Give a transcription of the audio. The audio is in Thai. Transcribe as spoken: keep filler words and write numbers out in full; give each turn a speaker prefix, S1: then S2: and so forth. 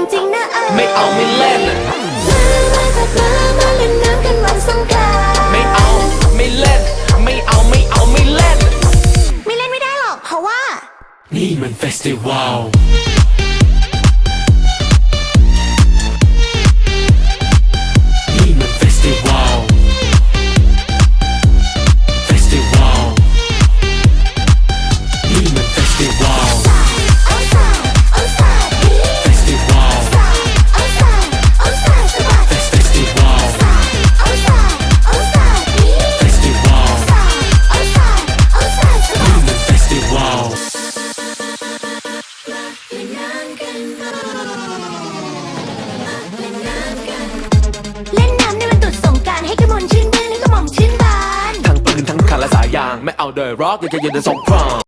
S1: ริงๆนะเออ
S2: ไม่เอาไม่เล่น
S1: มามาสักมามาเล่นน้ำกันวันสงกรานต์
S2: ไม่เอาไม่เล่นไม่เอาไม่เอาไม่เล่น
S1: ไม่เล่นไม่ได้หรอกเพราะว่า
S2: นี่มันเฟสติวัลนี่มันเฟสติวัลเฟสติวัลนี่มันเฟสติวัล
S1: เอาสายเอาสาย
S2: เฟสติวัล
S1: เอาสายเอาสายสะบัด
S2: เฟสติวัล
S1: เอาสายเอาสาย
S2: เฟสติวัล
S1: เอาสายเอาสายสะบัด
S2: นี่มันเฟสติวัล
S1: เล่นน้ำในวันตรุษสงกรานต์ให้กระมวลชื่นมื่นให้กระหม่อมชื่นบาน
S2: ทั้งปืนทั้งคันและสายยางไม่เอาเดยร็อกอยากจะยืนในสงคราม